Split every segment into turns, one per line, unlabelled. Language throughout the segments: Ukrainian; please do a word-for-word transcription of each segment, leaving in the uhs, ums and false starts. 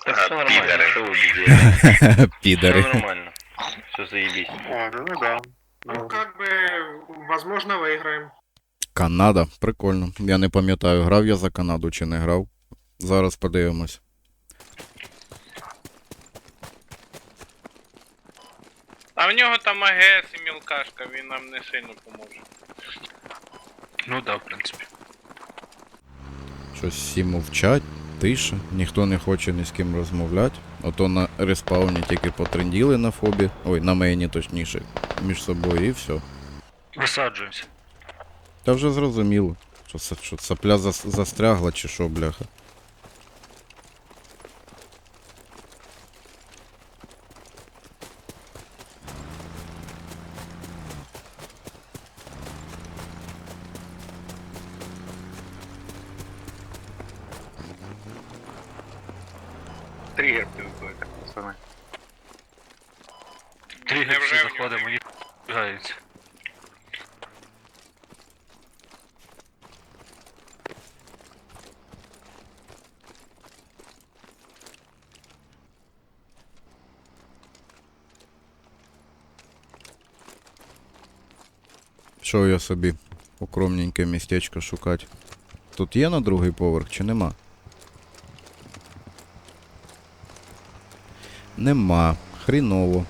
Все нормально, что вы бездельники?
Пидоры.
Все нормально. Все заебись.
А, ну да.
Ну, как бы, возможно, выиграем.
Канада, прикольно. Я не пам'ятаю, грав я за Канаду чи не грав. Зараз подивимось.
А в нього там АГС і мілкашка, він нам не сильно поможе.
Ну да, в принципі.
Щось всі мовчать, тиша, ніхто не хоче ні з ким розмовляти. Ото на респауні тільки потренділи на фобі. Ой, на мейні точніше. Між собою і все.
Висаджуємося.
Та вже зрозуміло. Що, са- що сапля зас- застрягла чи що, бляха.
Тригер привикли, пацани. Тригер
Невже
всі
в нього
заходимо, їх бігаються.
Що я собі укромненьке містечко шукати. Тут є на другий поверх чи нема? Нема. Хріново.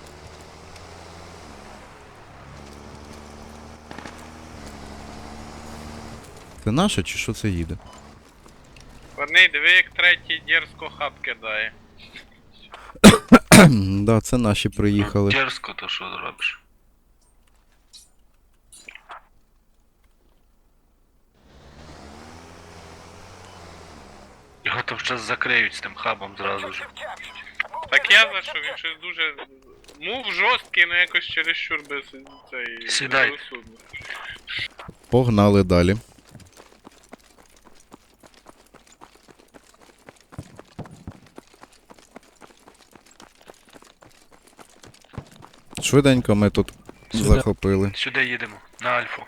Це наше чи що це їде?
Вони, диви, як третій дерзко хаб кидає.
Да, це наші приїхали.
Дерзко, то що зробиш? Його там зараз закриють з тим хабом зразу ж.
Так я за що, він щось дуже... Мув жорсткий, але якось чересчур без цей...
Сідай.
безрозсудно.
Погнали далі. Швиденько ми тут
Сюди.
захопили.
Сюди їдемо, на Альфу.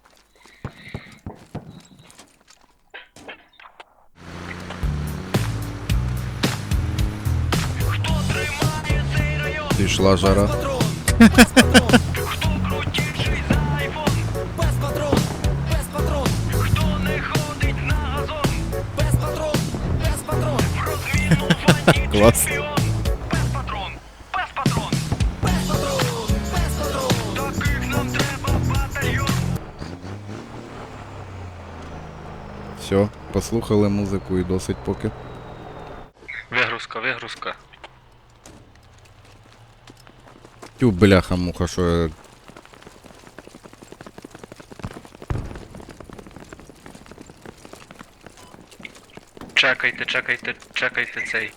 Пішла жара. Клас. Все, послухали музику і досить поки.
Вигрузка, вигрузка.
Тю, бляха муха, що я...
Чекайте, чекайте, чекайте цей.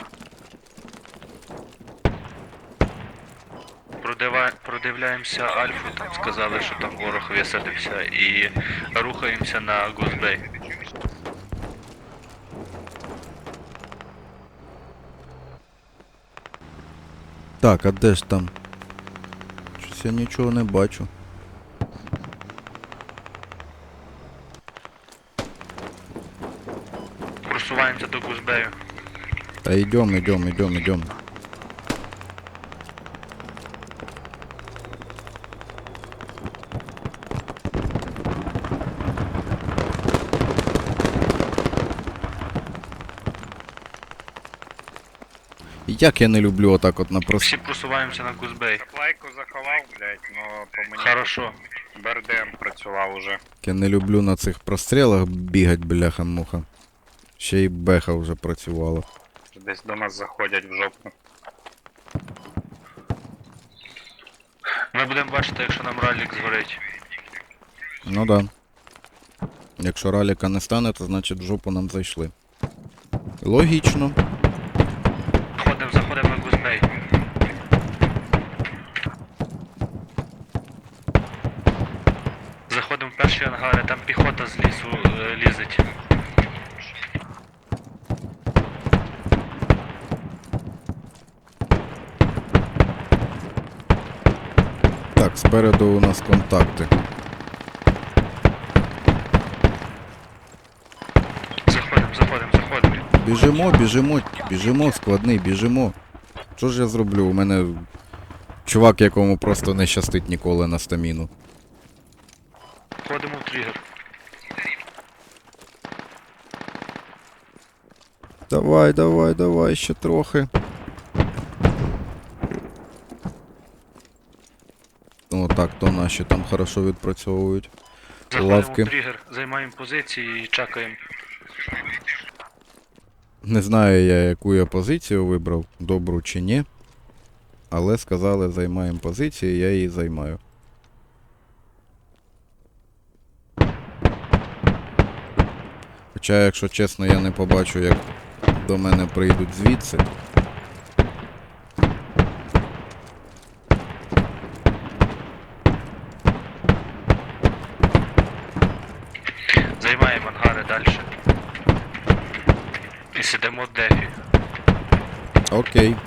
Продива... Продивляємося Альфу, там сказали, що там ворог висадився, і рухаємося на Гузбей.
Так, а де ж там? Щось я нічого не бачу.
Просуваємося до Гузбею.
Та йдем, йдем, йдем, йдем. Як я не люблю отак от на прос...
Всі просуваємося на Гузбей.
Лайку заховав, блядь, но по мені...
Хорошо.
БРДМ працював уже.
Я не люблю на цих прострілах бігать, бляха-муха. Ще й беха вже працювала.
Десь до нас заходять в жопу.
Ми будемо бачити, якщо нам ралік згорить.
Ну да. Якщо раліка не стане, то значить в жопу нам зайшли. Логічно.
Ходимо, заходимо на Гузбей. Заходимо в перші ангари, там піхота з лісу е, лізить.
Так, спереду у нас контакти.
Заходимо, заходимо, заходимо.
Біжимо, біжимо, біжимо, складний, біжимо. Що ж я зроблю? У мене чувак, якому просто не щастить ніколи на стаміну.
Входимо в тригер.
Давай, давай, давай, ще трохи. О, так, то наші там хорошо відпрацьовують.
Заходимо
Лавки.
в тригер, займаємо позиції і чекаємо.
Не знаю я, яку я позицію вибрав, добру чи ні. Але сказали, займаємо позицію, я її займаю. Хоча, якщо чесно, я не побачу, як до мене прийдуть звідси.
Займаємо ангари далі. І сидимо в дефі.
Окей.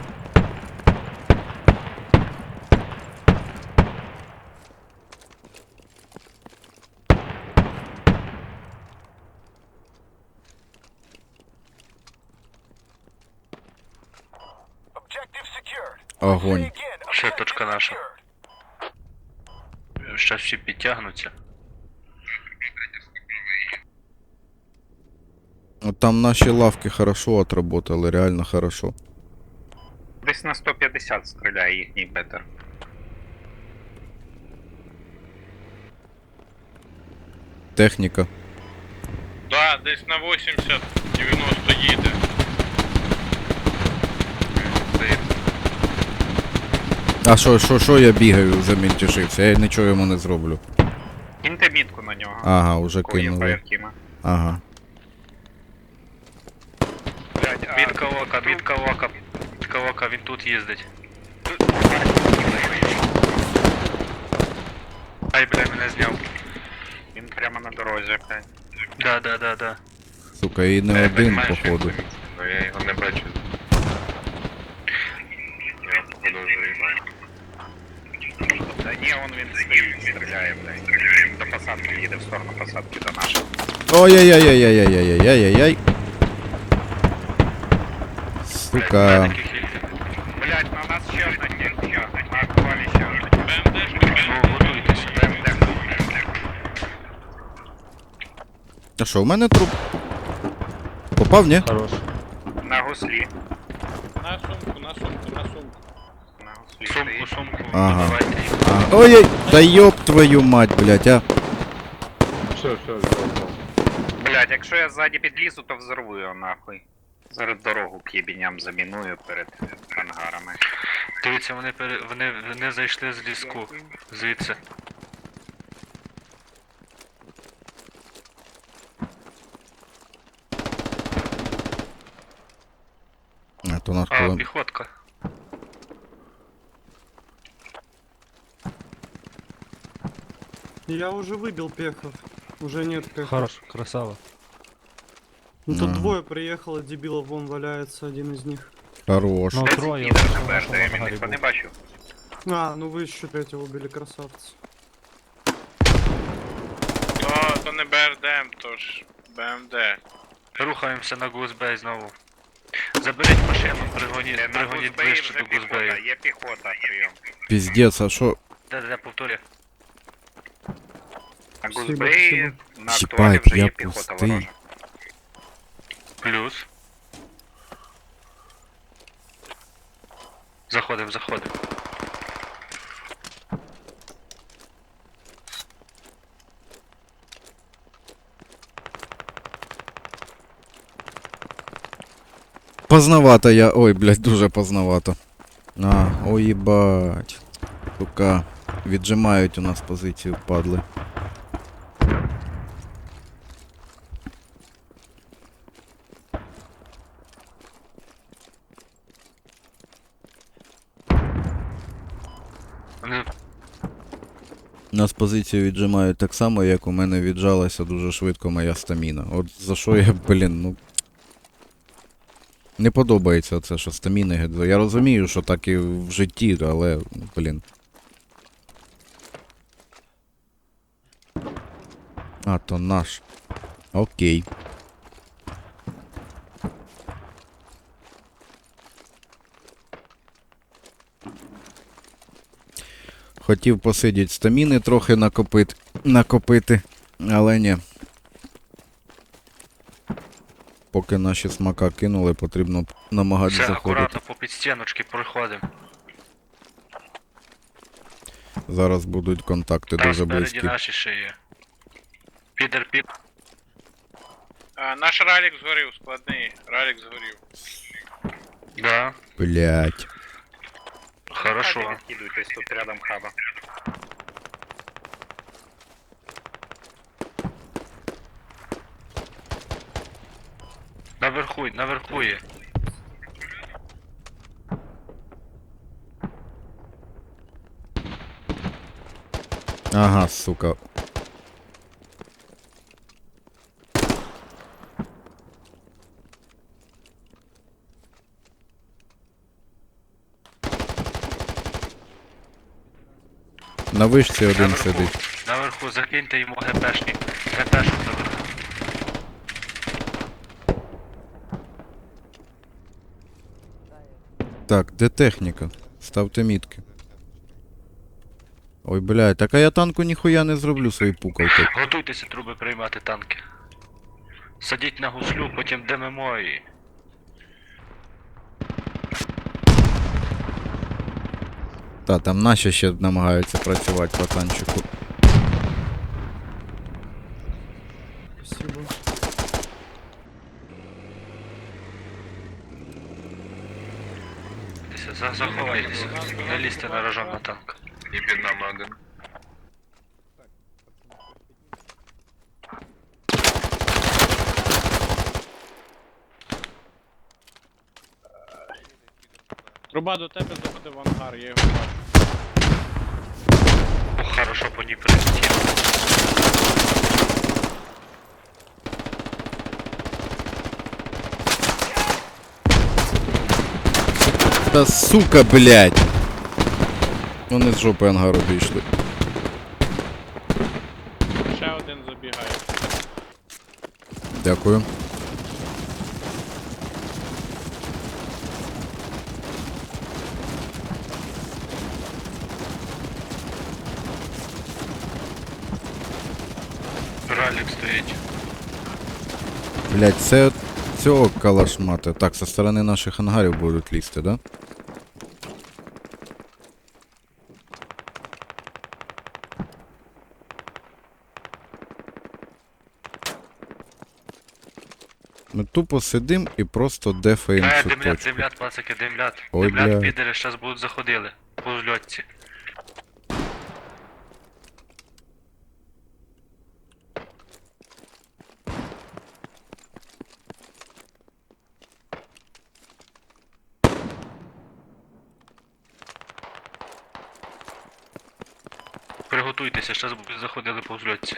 Огонь.
Ще точка наша. Щас всі підтягнуться.
От там наші лавки хорошо отработали, реально хорошо.
Десь на сто п'ятдесят стріляє їхній бетер.
Техніка.
Да, десь на вісімдесят дев'яносто їде.
А що, що, що я бігаю, замінтішився? Я нічого йому не зроблю.
Кіньте мітку на нього.
Ага, уже
Кої
кинули.
Фаєртіма.
Ага.
Блядь, а...
Мітка ока, мітка ока, мітка ока, він тут їздить. Ай, бля, мене зняв.
Він прямо на дорозі, блядь.
Да, да, да, да.
Сука, і не один, походу.
Я його не бачу. Я походу вже їбаю.
Та ні, он він стоїть, стріляє, блядь. Він до посадки їде в сторону посадки до нашої.
Ой-яй-яй-яй-яй-яй-яй-яй-яй. Сука.
Таких хільки.
Блядь, на нас ще одна техніка. На актуалі ще одна техніка.
БМДшка.
Ну, готуйтесь.
БМД.
А що, у мене труп? Попав, ні?
На гуслі.
На сумку, на сумку, на сумку.
На гуслі
Сумку,
стоїть.
сумку,
Ага.
давайте їм.
А, ой-ой, да ёб твою мать, блядь, а.
Блядь, якщо я ззаді підлізу, то взорву його нахуй. Зараз дорогу к єбіням заміную перед ангарами.
Дивіться, вони, пере... вони, вони зайшли з ліску. Звідси.
А, то наш
А,
колон.
піхотка.
Я уже выбил пехов. Уже нет пехов.
Хорош, красава.
Ну тут
Ага.
двое приехало, дебилов, вон валяется один из них.
Хорош.
Ну,
Десь
троє
їде
вже
на
в нашому
БРДМ,
ангарі
ніхто не
був.
бачив.
А, ну вы еще третьего убили, красавцы.
То, то не БРДМ, то ж БМД.
Рухаємося на Гузбей знову. Заберіть машину, пригоніть,
Е, На
пригоніть
Гузбеї
ближче
вже
до
піхота,
Гузбею.
є піхота, прийом.
Піздець, а що?
Де, де, повторюю.
На
Спасибо,
Гузбеї, на
Їбать,
актуалі вже
я
є піхота
пустий.
ворожа.
Плюс. Заходим, заходим.
Поздновато я. Ой, блядь, дуже поздновато. А, ой, їбать. Сука. Віджимають у нас позицію, падли.
Вони
У нас позицію віджимають так само, як у мене віджалася дуже швидко моя стаміна. От за що я, блін, ну. Не подобається це, що стаміни гедзо. Я розумію, що так і в житті, але, блін. А, то наш. Окей. Хотів посидіти стаміни трохи накопити, накопити, але ні. Поки наші смака кинули, потрібно намагатися
Все,
заходити.
акуратно по підстіночки проходимо.
Зараз будуть контакти
Там
дуже
спереді
близькі.
наші ще є. Підер під.
А, наш ралік згорів, складний. Ралік згорів.
Да.
Блять.
Хорошо.
Хабі відкидуйтесь, тут рядом хаба.
Наверху, наверху є.
Ага, сука. На вишці один
Наверху.
сидить.
Наверху закиньте йому ГПшник. ГПшник наверху.
Так, де техніка? Ставте мітки. Ой, блядь, так а я танку ніхуя не зроблю свої пукалки.
Готуйтеся труби приймати танки. Садіть на гуслю, потім димимо і...
Та, там наші ще намагаються працювати по танчику.
Спасибо.
За- Заховайтеся. Не лізьте на рожон на танк.
І під нами один.
Труба до тебе заходить в ангар, я його бачу.
О, хорошо по ній прилетіло.
Та сука, блядь! Вони з жопи ангару вийшли.
Ще один забігає.
Дякую.
Ралік стоїть.
Блядь, це цього калашмата. Так, со сторони наших ангарів будуть лізти, да? Ми тупо сидим і просто дефаємо
Е,
цю
димлят,
точку.
димлят, пацики, димлят.
Ой,
Димлят,
бля.
підери, щас будуть заходили. По зльотці. Приготуйтеся, щас будуть заходили по зльотці.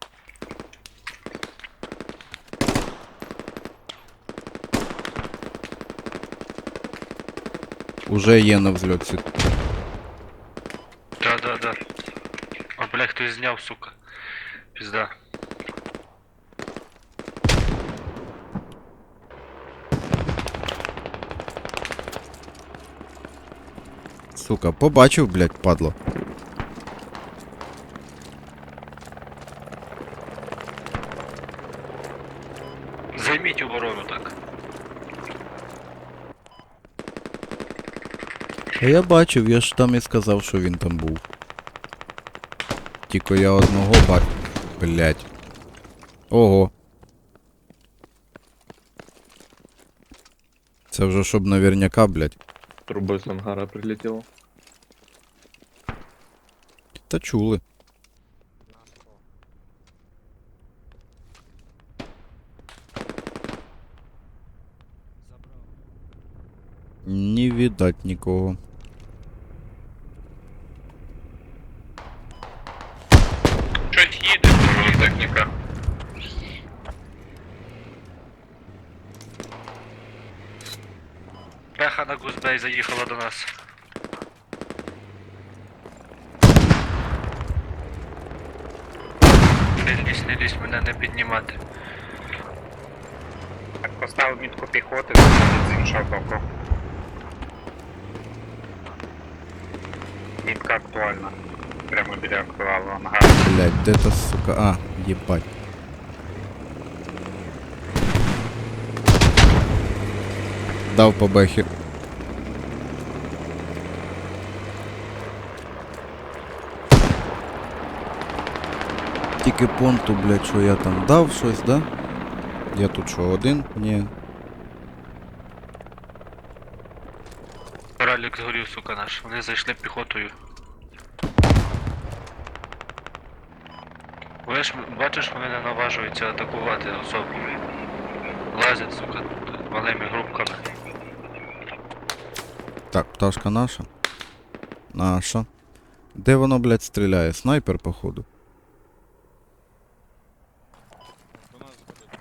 Уже є на взльоті.
Да, да, да. О, бля, хтось зняв, сука. Пізда.
Сука, побачив, блядь, падло.
Займіть оборону так.
А я бачив, я ж там і сказав, що він там був. Тільки я одного бак... Блядь. Ого. Це вже щоб наверняка, блядь.
Трубою з ангара прилетіло.
Та чули. Не видать нікого.
Щось їде.
Техніка.
Пеха на Гузбей заїхала до нас. Не лізь, не лізь, мене не піднімати.
Так, поставив мітку піхоти, заходить з іншого боку. Мітка актуальна. Прямо біля актуалу ангару.
Блять, де та сука. А, єбать. Дав по бехі. Тільки понту, блять, що я там дав щось, да? Я тут що, один? Ні.
Ралік згорів, сука наш. Вони зайшли піхотою. Ви ж бачиш, вони не наважуються атакувати особу. Лазять, сука, малими групками.
Так, пташка наша. Наша. Де воно, блядь, стріляє? Снайпер, походу.
До нас заходить.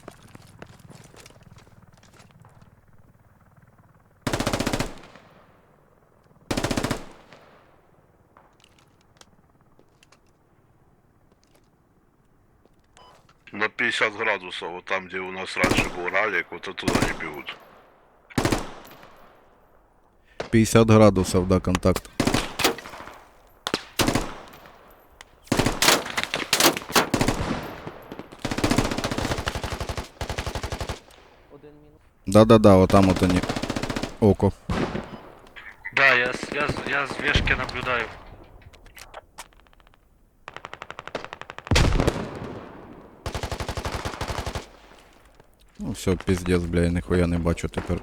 На пятьдесят градусов, вот там, где у нас раньше был ралик, вот оттуда они бегут.
п'ятдесят градусів, да, контакт. Да-да-да, вот там вот они. Око.
Да, я, з- я, з- я з вешки наблюдаю.
Ну все, пиздец, бля, я ніхуя не бачу тепер.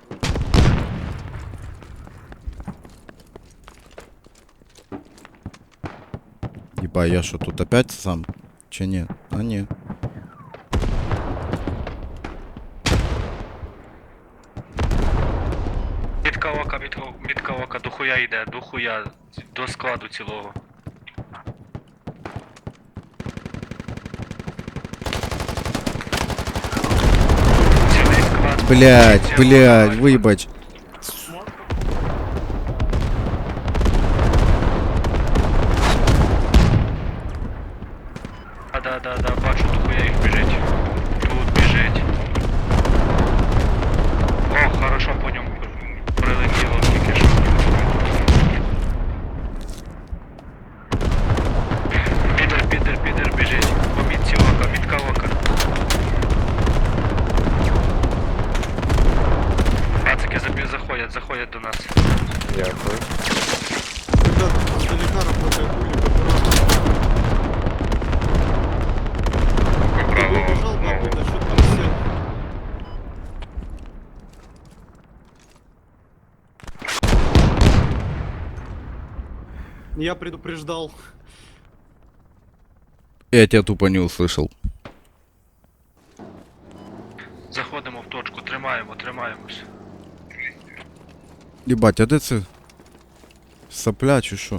Єба, я що тут опять сам? Чи ні? А ні.
Мітка ока, мітка, мітка ока, до хуя йде, до хуя, до складу цілого. Цілий склад.
Блять,
Цілий
блять,
склад.
вибач.
А, да, да, да, бачу, до хуя їх біжить. Тут біжить. О, хорошо по ньому прилетіло тільки що. Підер, підер, підер біжить. По мітці ока, мітка ока. Пацики забі- заходять, заходять до нас.
Дякую.
Ребят, издалека работает улик, аккуратно. Ты выбежал, нахуй, на счет там семь. Я предупреждал.
Я тебя тупо не услышал.
Заходимо в точку, тримаємо, тримаємось.
Єбать, а де це? Сопля чи що?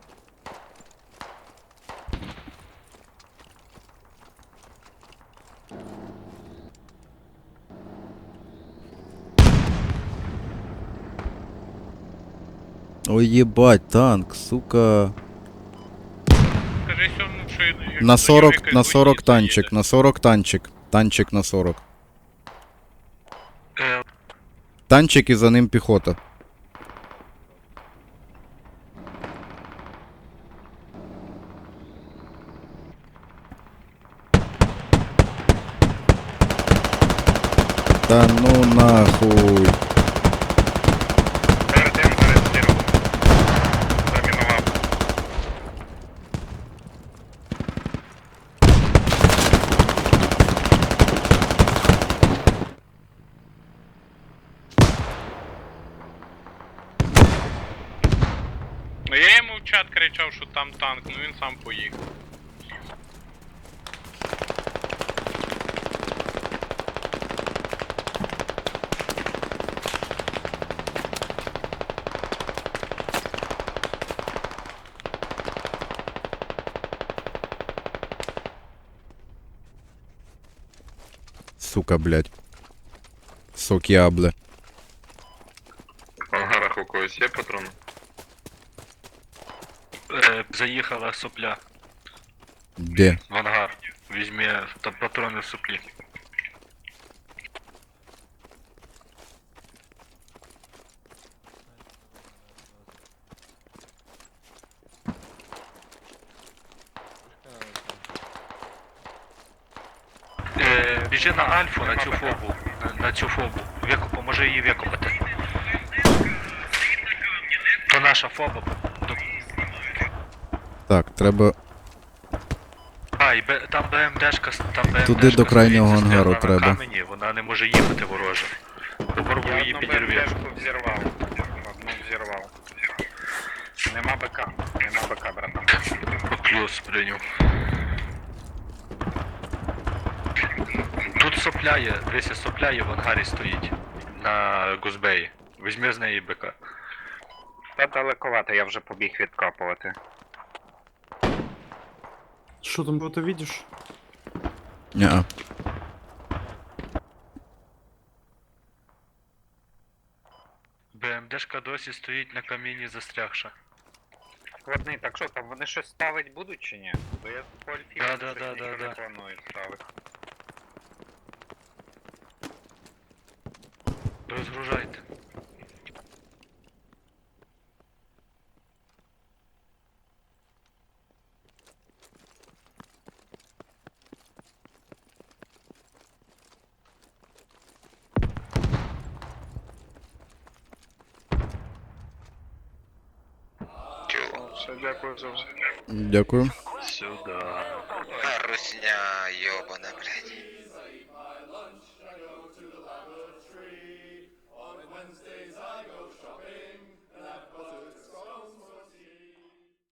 Ой, єбать, танк, сука.
Скажи сьому, що як
На
до
сорок,
нього якась
на сорок
гусіця
танчик,
їде.
на сорок танчик. Танчик на сорок.
Е,
Танчик і за ним піхота. Та ну нахуй.
Перед тим перескинув. Замінував.
Ну я йому в чат кричав, що там танк, ну він сам поїхав.
Сука, блядь. Сок ябле.
В ангарах у когось є патрони?
е, заїхала сопля
Де?
в ангар. Візьме та патрони в соплі. біжи на Альфу, на цю фобу. На, на цю фобу. Веку, поможи її викопати. То наша фоба. До-
Так, треба
А, і Б- там БМДшка, с- там БМДшка
Туди до крайнього
стоїть,
ангару
застрягла
треба.
на камені, вона не може їхати вороже. Попробуй
Я
її
одну
підірві.
БМДшку взірвав. Одну взірвав. Нема БК. Нема БК, братан.
Плюс прийняв. Тут сопляє, десь сопляє в ангарі стоїть. На Гузбеї. Візьми з неї БК.
Та далековато, я вже побіг відкапувати.
Що там ти видиш?
Ня.
БМДшка досі стоїть на каміні застрягша.
Складний, так що там, вони щось ставить будуть чи ні? Бо я по альфі
Да,
щось
да, да,
нічого
да,
не
да.
планую ставити.
Розгружайте.
Все, дякую за все.
Дякую.
Все,